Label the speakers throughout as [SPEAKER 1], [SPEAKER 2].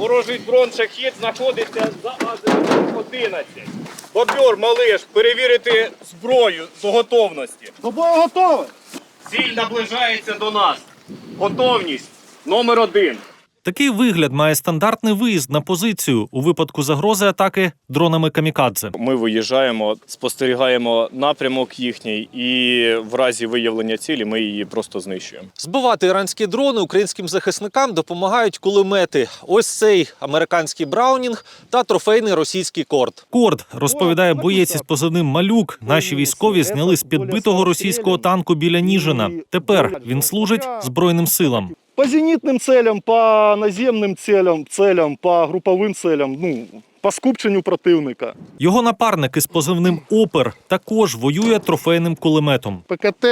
[SPEAKER 1] Ворожий дрон-шахід знаходиться за азимутом 11. Бобер, малиш, перевірити зброю до готовності.
[SPEAKER 2] До бою готовий!
[SPEAKER 1] Ціль наближається до нас. Готовність номер 1.
[SPEAKER 3] Такий вигляд має стандартний виїзд на позицію у випадку загрози атаки дронами камікадзе.
[SPEAKER 1] Ми виїжджаємо, спостерігаємо напрямок їхній і в разі виявлення цілі ми її просто знищуємо.
[SPEAKER 3] Збивати іранські дрони українським захисникам допомагають кулемети. Ось цей американський Браунінг та трофейний російський Корд. Корд, розповідає боєць із позивним «Малюк», наші військові зняли з підбитого російського танку біля Ніжина. Тепер він служить Збройним силам.
[SPEAKER 2] По зенітним целям, по наземним целям, по груповим целям, по скупченню противника.
[SPEAKER 3] Його напарник із позивним «Опер» також воює трофейним кулеметом.
[SPEAKER 4] ПКТ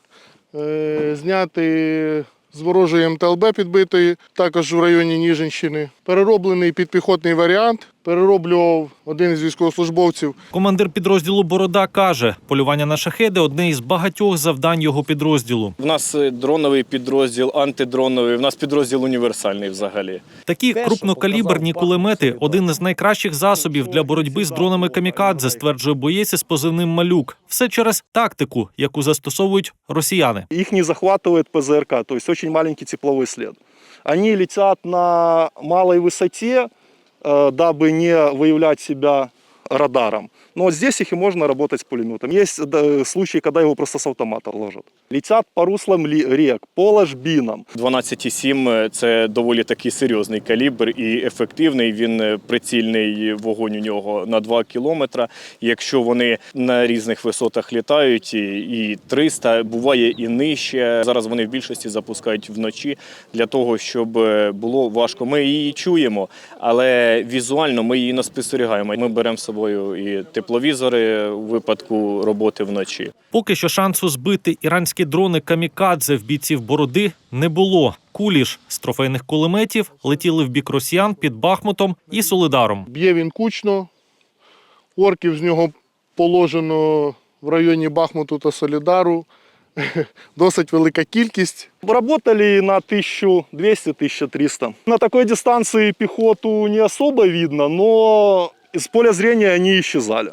[SPEAKER 4] зняти з ворожої МТЛБ підбитої, також в районі Ніжинщини. Перероблений підпіхотний варіант, перероблював один із військовослужбовців.
[SPEAKER 3] Командир підрозділу «Борода» каже, полювання на шахеди – одне із багатьох завдань його підрозділу.
[SPEAKER 1] У нас дроновий підрозділ, антидроновий, у нас підрозділ універсальний взагалі.
[SPEAKER 3] Такі крупнокаліберні кулемети – один із найкращих засобів для боротьби з дронами камікадзе, стверджує боєць із позивним «Малюк». Все через тактику, яку застосовують росіяни.
[SPEAKER 2] Их не захватывает ПЗРК, то есть очень маленький тепловой след. Они летят на малой высоте, дабы не выявлять себя радаром. Но вот здесь их и можно работать с пулеметом. Есть случаи, когда его просто с автомата ложат. Летят по руслам рек, по ложбинам.
[SPEAKER 1] 12,7 – це доволі такий серйозний калібр і ефективний. Він прицільний вогонь у нього на 2 кілометри. Якщо вони на різних висотах літають, і 300, буває і нижче. Зараз вони в більшості запускають вночі для того, щоб було важко. Ми її чуємо, але візуально ми її не спостерігаємо. Ми беремо з собою і тепловізори у випадку роботи вночі.
[SPEAKER 3] Поки що шансу збити іранські дрони камікадзе в бійців «Бороди» не було. Кулі ж з трофейних кулеметів летіли в бік росіян під Бахмутом і Солидаром.
[SPEAKER 4] Б'є він кучно, орків з нього положено в районі Бахмуту та Солидару. Досить велика кількість.
[SPEAKER 2] Работали на 1200-1300. На такой дистанции пехоту не особо видно, но из поля зрения они исчезали.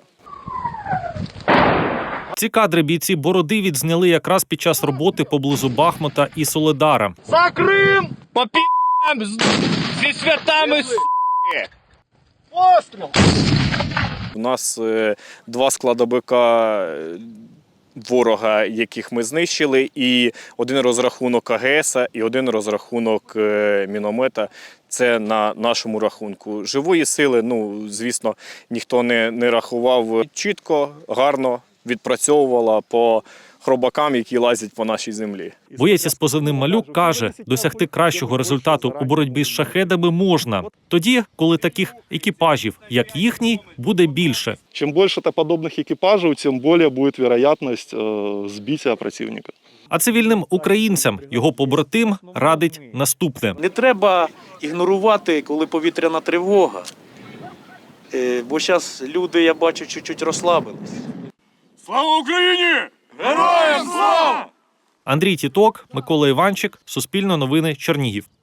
[SPEAKER 3] Ці кадри бійці «Бороди» відзняли якраз під час роботи поблизу Бахмута і Солидара.
[SPEAKER 1] За Крим! По пі***ам! Зі святами, с***ки!
[SPEAKER 2] Постріл!
[SPEAKER 1] У нас 2 складовика ворога, яких ми знищили, і один розрахунок АГС, і один розрахунок міномета. Це на нашому рахунку. Живої сили, звісно, ніхто не рахував. Чітко, гарно відпрацьовувала по хробакам, які лазять по нашій землі.
[SPEAKER 3] Боєць із позивним «Малюк» каже, досягти кращого результату у боротьбі з шахедами можна. Тоді, коли таких екіпажів, як їхній, буде більше.
[SPEAKER 2] Чем больше подобных экипажей, тем более будет вероятность сбития противника.
[SPEAKER 3] А цивільним українцям його побратим радить наступне.
[SPEAKER 5] Не треба ігнорувати, коли повітряна тривога. Бо зараз люди, я бачу, чуть-чуть розслабились.
[SPEAKER 1] Слава Україні! Героям слава!
[SPEAKER 3] Андрій Тіток, Микола Іванчик, Суспільне новини, Чернігів.